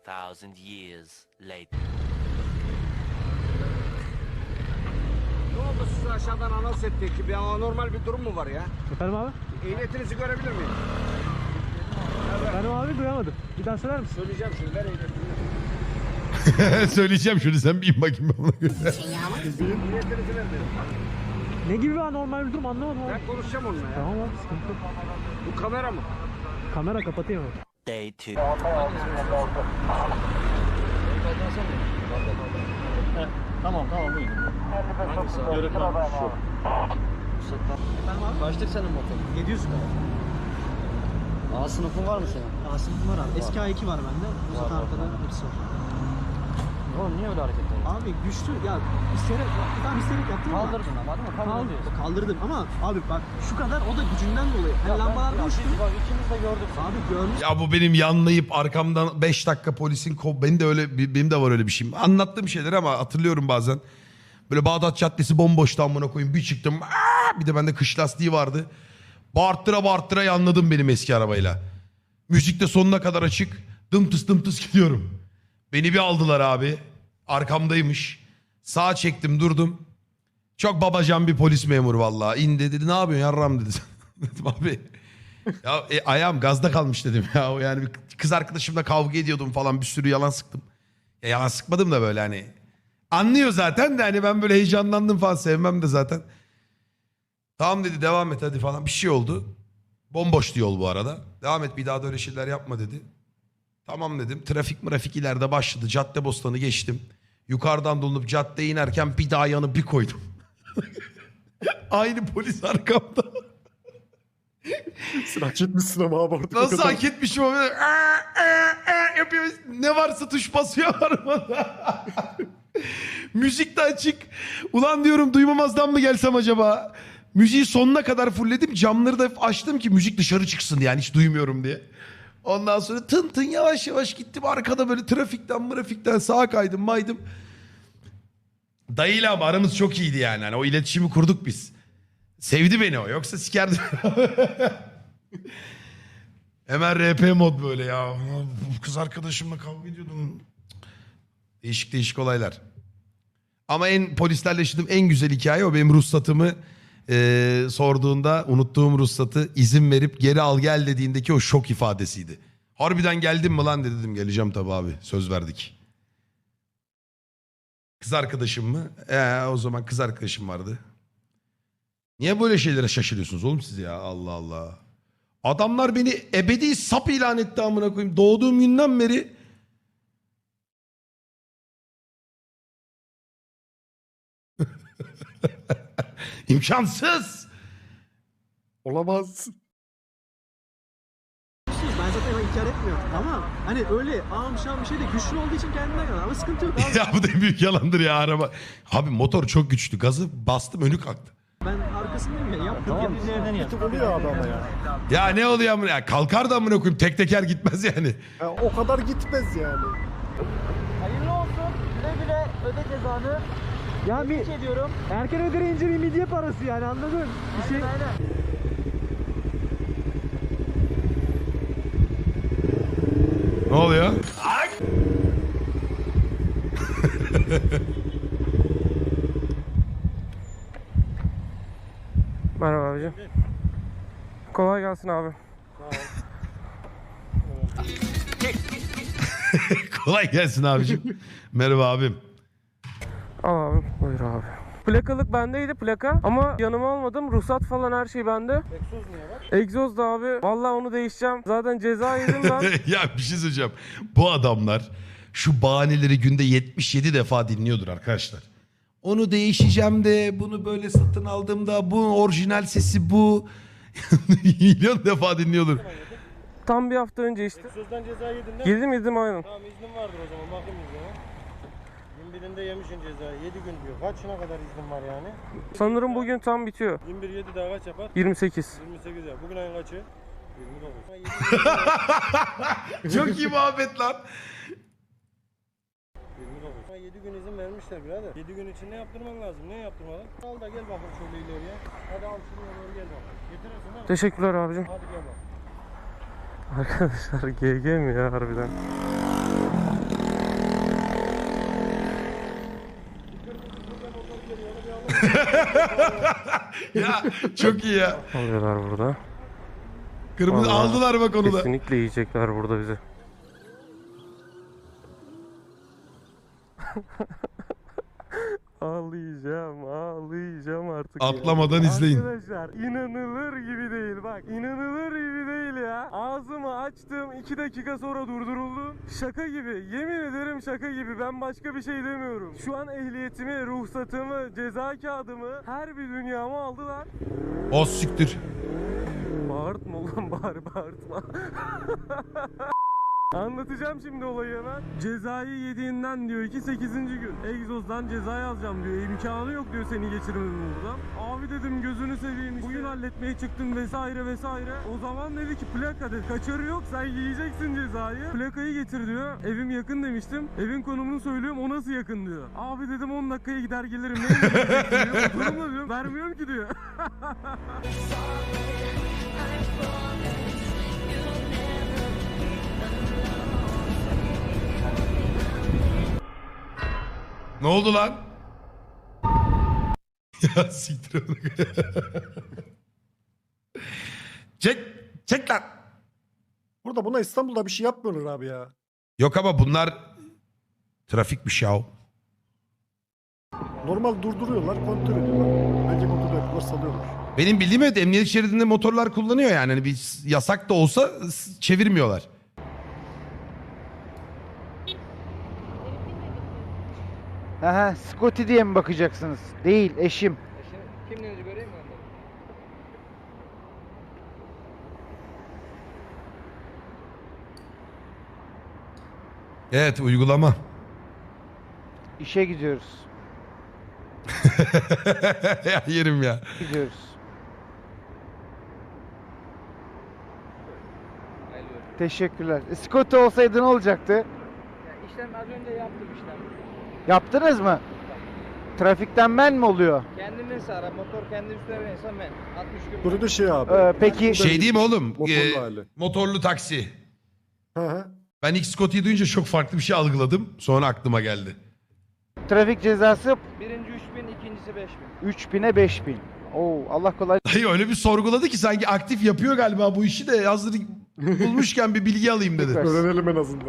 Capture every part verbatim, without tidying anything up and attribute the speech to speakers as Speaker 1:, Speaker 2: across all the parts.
Speaker 1: thousand years later.
Speaker 2: Ne oldu size aşağıdan anons ettik ki bir anormal bir durum mu var ya?
Speaker 3: Efendim abi?
Speaker 2: Ehliyetinizi görebilir miyim?
Speaker 3: Efendim abi duyamadım. Bir daha söyler misin?
Speaker 2: Söyleyeceğim şimdi ver ehliyetini.
Speaker 4: Söyleyeceğim şunu, sen bir in bakayım bana.
Speaker 2: Ehliyetinizi ver dedim.
Speaker 3: Ne gibi bir anormal bir durum anlamadım abi.
Speaker 2: Ben konuşacağım onunla ya.
Speaker 3: Tamam abi sıkıntı yok.
Speaker 2: Bu kamera mı?
Speaker 3: Kamera kapatayım abi.
Speaker 1: Day two.
Speaker 5: Tamam tamam buyurun. Yörükmen şu. Kaçtık senin motor?
Speaker 3: yedi yüz kadar.
Speaker 5: A sınıfın var mı senin?
Speaker 3: A sınıfım var abi. Eski A iki var bende. Bu zaten arkada hepsi var.
Speaker 5: Oğlum niye öyle hareket ediyorsun?
Speaker 3: Abi güçlü ya isteyerek, tam isteyerek yaptım ama.
Speaker 5: Kaldırdın ama değil mi? Kabul
Speaker 3: Kal-
Speaker 5: ediyorsun.
Speaker 3: Kaldırdım ama abi bak şu kadar o da gücünden dolayı. Hani lambalar
Speaker 5: Ben-
Speaker 3: düştü.
Speaker 5: Ya biz bak ikimiz de gördük.
Speaker 3: Abi görmüş.
Speaker 4: Ya bu benim yanlayıp arkamdan beş dakika polisin kov... Benim de öyle, benim de var öyle bir şeyim. Anlattığım şeyler ama hatırlıyorum bazen. Böyle Bağdat Caddesi bomboştu amına koyayım. Bir çıktım. Aa! Bir de bende kış lastiği vardı. Bağırttıra bağırttıra yanladım benim eski arabayla. Müzik de sonuna kadar açık. Dımtıs dımtıs gidiyorum. Beni bir aldılar abi. Arkamdaymış. Sağa çektim durdum. Çok babacan bir polis memuru vallahi. İndi dedi, ne yapıyorsun yarram dedi. Dedim abi. Ya e, ayağım gazda kalmış dedim ya. O yani bir kız arkadaşımla kavga ediyordum falan, bir sürü yalan sıktım. Ya yalan sıkmadım da böyle hani. Anlıyor zaten de hani ben böyle heyecanlandım falan, sevmem de zaten. Tamam dedi, devam et hadi falan, bir şey oldu. Bomboştu yol bu arada. Devam et, bir daha da öyle şeyler yapma dedi. Tamam dedim. Trafik mrafik ileride başladı. Caddebostanı geçtim. Yukarıdan dolanıp caddeye inerken bir daha yanı bir koydum. Aynı polis arkamda.
Speaker 6: Sen hak etmişsin ama abi artık.
Speaker 4: Nasıl hak etmişim o böyle "Aa, aa, aa" yapıyor. Ne varsa tuş basıyor arabada. Müzik de açık. Ulan diyorum, duymamazdan mı gelsem acaba? Müziği sonuna kadar fullledim. Camları da açtım ki müzik dışarı çıksın yani, hiç duymuyorum diye. Ondan sonra tın tın yavaş yavaş gittim. Arkada böyle trafikten mrafikten sağa kaydım maydım. Dayıyla ama aramız çok iyiydi yani. Hani o iletişimi kurduk biz. Sevdi beni o. Yoksa sikerdi. Hemen R P mod böyle ya. Kız arkadaşımla kavga ediyordum. Değişik değişik olaylar. Ama en polislerle yaşadığım en güzel hikaye o. Benim ruhsatımı e, sorduğunda, unuttuğum ruhsatı izin verip geri al gel dediğindeki o şok ifadesiydi. Harbiden geldin mi lan dedi, dedim geleceğim tabii abi, söz verdik. Kız arkadaşım mı? Ee, o zaman kız arkadaşım vardı. Niye böyle şeylere şaşırıyorsunuz oğlum siz ya, Allah Allah. Adamlar beni ebedi sap ilan etti amına koyayım. Doğduğum günden beri. İmkansız.
Speaker 6: Olamaz.
Speaker 3: Ben zaten onu inkar etmiyorum ama hani öyle ağam şam bir şey de güçlü olduğu için kendinden yana ama sıkıntı yok abi.
Speaker 4: Ya bu da büyük yalandır ya araba. Abi motor çok güçlü. Gazı bastım, önü kalktı.
Speaker 3: Ben arkasındayım ya yaptım.
Speaker 5: Tamam
Speaker 3: Tamam.
Speaker 5: biz yerden
Speaker 6: Bir
Speaker 5: yap.
Speaker 6: tık oluyor abi ama ya.
Speaker 4: Ya ne oluyor amına ya? Kalkar da amına koyayım. Tek teker gitmez yani.
Speaker 6: Ya o kadar gitmez yani.
Speaker 5: Hayırlı olsun. Güle güle öde cezanı.
Speaker 3: Ya bir
Speaker 5: ediyorum.
Speaker 3: erken ödeyince bir midye parası yani, anladın? Bir şey.
Speaker 4: Ne oluyor?
Speaker 7: Merhaba abicim. Kolay gelsin abi.
Speaker 4: Kolay gelsin abicim. Merhaba abim.
Speaker 7: Al abi, buyur abi. Plakalık bendeydi, plaka, ama yanıma almadım. Ruhsat falan her şey bende.
Speaker 5: Egzoz niye var?
Speaker 7: Egzoz da abi. Vallahi onu değişeceğim. Zaten ceza yedim ben.
Speaker 4: Ya bir şey söyleyeceğim. Bu adamlar şu bahaneleri günde yetmiş yedi defa dinliyordur arkadaşlar. Onu değişeceğim de, bunu böyle satın aldığımda, bu orijinal sesi bu. Milyon defa dinliyordur.
Speaker 7: Tam bir hafta önce işte.
Speaker 5: Egzozdan ceza yedin değil mi?
Speaker 7: Yedim yedim aynen.
Speaker 5: Tamam iznin vardır o zaman bakayım iznine. yirmi birinde yemişsin cezayı. yedi gün diyor. Kaçına kadar iznin var yani?
Speaker 7: Sanırım bugün tam bitiyor.
Speaker 5: yirmi bir yedi daha kaç yapar?
Speaker 7: yirmi sekiz.
Speaker 5: yirmi sekiz ya. Bugün ayın kaçı? yirmi dokuz.
Speaker 4: Çok iyi muhabbet lan.
Speaker 5: yirmi dokuz. yedi gün izin vermişler birader. yedi gün için ne yaptırman lazım? Ne yaptırmadın? Al da gel bakalım şöyle ileriye. Hadi al şuraya doğru gel bakalım. Getirirsin değil mi?
Speaker 7: Teşekkürler abicim.
Speaker 5: Hadi gel bakalım.
Speaker 7: Arkadaşlar G G mi ya harbiden?
Speaker 4: Ya çok iyi ya.
Speaker 7: Alıyorlar burada.
Speaker 4: Kırmızı
Speaker 7: Vallahi
Speaker 4: aldılar bak onu da.
Speaker 7: Kesinlikle yiyecekler burada bizi. Ağlayacağım, ağlayacağım artık ya.
Speaker 4: Atlamadan izleyin.
Speaker 7: Arkadaşlar inanılır gibi değil bak. İnanılır gibi değil ya. Ağzımı açtım, iki dakika sonra durduruldum. Şaka gibi, yemin ederim şaka gibi. Ben başka bir şey demiyorum. Şu an ehliyetimi, ruhsatımı, ceza kağıdımı, her bir dünyamı aldılar.
Speaker 4: O siktir.
Speaker 7: Bağırtma ulan, bağır bağırtma. Anlatacağım şimdi olayı hemen. Cezayı yediğinden diyor ki sekizinci gün. Egzozdan ceza yazacağım diyor. İmkanı yok diyor seni geçirmemin buradan. Abi dedim gözünü seveyim işte. Bugün halletmeye çıktın vesaire vesaire. O zaman dedi ki plaka dedi. Kaçarı yok sen yiyeceksin cezayı. Plakayı getir diyor. Evim yakın demiştim. Evin konumunu söylüyorum o nasıl yakın diyor. Abi dedim on dakikaya gider gelirim. Ne yiyeceksin diyor. Oturumla diyorum. Vermiyorum ki diyor.
Speaker 4: Ne oldu lan? Ya siktir onu. Çek, çek lan.
Speaker 6: Burada buna İstanbul'da bir şey yapmıyorlar abi ya.
Speaker 4: Yok ama bunlar trafikmiş ya.
Speaker 6: Normal durduruyorlar, kontrol ediyorlar. Bence kontrol ediyorlar, salıyorlar.
Speaker 4: Benim bildiğim evet emniyet şeridinde motorlar kullanıyor yani. Hani bir yasak da olsa s- çevirmiyorlar.
Speaker 8: Aha, Scotty diye mi bakacaksınız? Değil, eşim.
Speaker 2: Kimliğinizi göreyim mi?
Speaker 4: Evet uygulama.
Speaker 8: İşe gidiyoruz.
Speaker 4: Ya yerim ya.
Speaker 8: Gidiyoruz. Teşekkürler. E, Scotty olsaydı ne olacaktı?
Speaker 2: İşlem az önce yaptım işlem.
Speaker 8: Yaptınız mı? Trafikten ben mi oluyor?
Speaker 2: Kendin ara motor kendi üstüne binirsen ben. altmış gün.
Speaker 6: Burada da şey abi.
Speaker 8: Ee, peki
Speaker 4: Şey değil mi oğlum?
Speaker 6: Motorlu
Speaker 4: Ee,
Speaker 6: hali.
Speaker 4: motorlu taksi.
Speaker 6: Hı hı.
Speaker 4: Ben ilk Scotty'yi duyunca çok farklı bir şey algıladım. Sonra aklıma geldi.
Speaker 8: trafik cezası
Speaker 2: Birinci üç bin, ikincisi beş bin.
Speaker 8: üç bine beş bin. Oo, Allah kolay.
Speaker 4: Dayı öyle bir sorguladı ki sanki aktif yapıyor galiba bu işi de hazır bulmuşken bir bilgi alayım dedi.
Speaker 6: Öğrenelim en azından.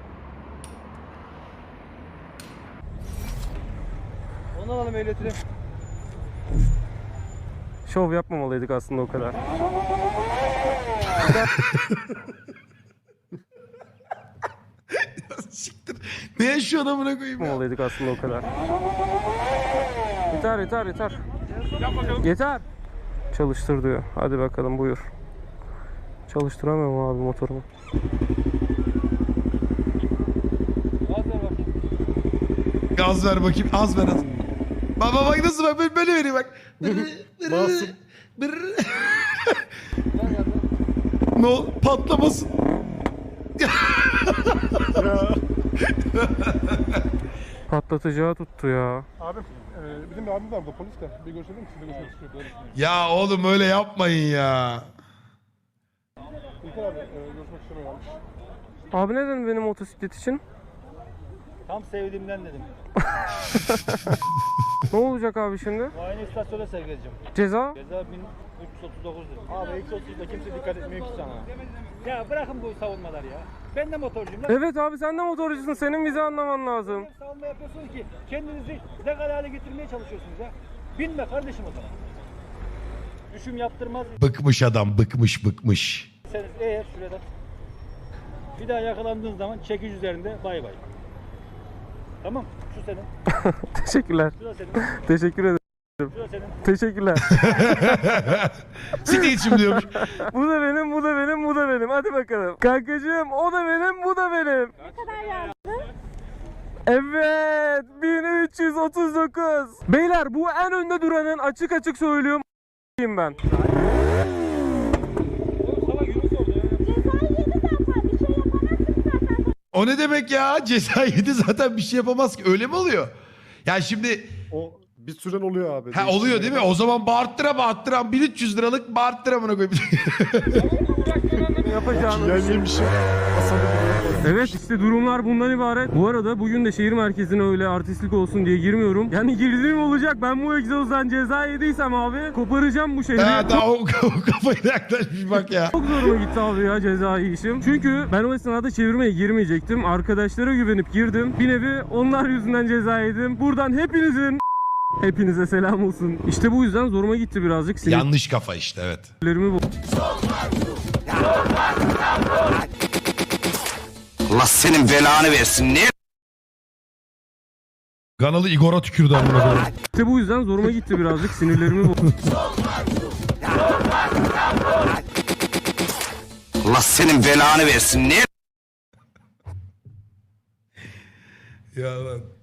Speaker 2: Onu alalım ehliyetini.
Speaker 7: Şov yapmamalıydık aslında o kadar.
Speaker 4: Siktir. Ne yaşıyor amına koyayım ya?
Speaker 7: Yapmamalıydık aslında o kadar. Yeter yeter yeter. Yeter. Çalıştır diyor. Hadi bakalım buyur. Çalıştıramıyorum abi motorumu.
Speaker 4: Gaz ver bakayım. Az ver az. Baba bak nasıl bak böyle, böyle veriyor bak.
Speaker 6: Masum.
Speaker 4: Ne ol patlamasın.
Speaker 6: Ya.
Speaker 7: Patlatacağı tuttu ya.
Speaker 9: Abim, e, bizim bir abim var burada polis de. Bir görüşelim mi? Sizinle görüşmek istiyor.
Speaker 4: Ya oğlum öyle yapmayın ya.
Speaker 9: İlker abi, e, görüşmek istemiyorlarmış.
Speaker 7: Abi ne dedin benim motosiklet için?
Speaker 5: Tam sevdiğimden dedim.
Speaker 7: Ne olacak abi şimdi?
Speaker 5: Muayene istasyona sevk edeceğim.
Speaker 7: Ceza?
Speaker 5: Ceza bin üç yüz otuz dokuz dedim. Abi üç yüz otuzda kimse dikkat etmiyor ki sana. Ya bırakın bu savunmaları ya. Ben de motorcuyum lan.
Speaker 7: Evet abi sen de motorcusun. Senin bizi anlaman lazım.
Speaker 5: Savunma yapıyorsunuz ki kendinizi legal hale getirmeye çalışıyorsunuz ya. Binme kardeşim o zaman. Düşüm yaptırmaz.
Speaker 4: Bıkmış adam bıkmış bıkmış.
Speaker 5: Sen eğer şurada bir daha yakalandığın zaman çekiş üzerinde bay bay. Tamam, şu senin,
Speaker 7: Teşekkürler.
Speaker 5: şu da senin,
Speaker 7: Teşekkür ederim.
Speaker 5: şu da senin.
Speaker 7: Teşekkürler.
Speaker 4: Siktir içim diyormuş.
Speaker 7: Bu da benim, bu da benim, bu da benim. Hadi bakalım. Kankacığım o da benim, bu da benim. Ne kadar yazdın? Evet, bin üç yüz otuz dokuz. Beyler bu en önde duranın açık açık söylüyorum ben.
Speaker 4: O ne demek ya? Ceza yedi zaten bir şey yapamaz ki. Öyle mi oluyor? Yani şimdi
Speaker 6: O Bir süren oluyor abi.
Speaker 4: Ha oluyor değil mi? O zaman bağırttıra bağırttıra bin üç yüz liralık bağırttıra amına koyayım.
Speaker 7: Yapacağını
Speaker 6: Yan yemişim. Hasan'ı bile
Speaker 7: Evet işte durumlar bundan ibaret. Bu arada bugün de şehir merkezine öyle artistlik olsun diye girmiyorum. Yani girdiğim olacak. Ben bu egzozdan ceza yediysem abi koparacağım bu şehri.
Speaker 4: Ha daha o, o kafayı yaklaşmış bak ya.
Speaker 7: Çok zoruma gitti abi ya cezai işim. Çünkü ben o esnada çevirmeye girmeyecektim. Arkadaşlara güvenip girdim. Bir nevi onlar yüzünden ceza yedim. Buradan hepinizin hepinize selam olsun. İşte bu yüzden zoruma gitti birazcık.
Speaker 4: Yanlış kafa işte evet.
Speaker 7: Sinirlerimi bu.
Speaker 2: Allah senin belanı versin. Ne?
Speaker 4: Kanalı Igor'a tükürdü amına koyayım.
Speaker 7: İşte bu yüzden zoruma gitti birazcık. Sinirlerimi bu.
Speaker 2: Allah senin belanı versin. Ne?
Speaker 4: Ya lan.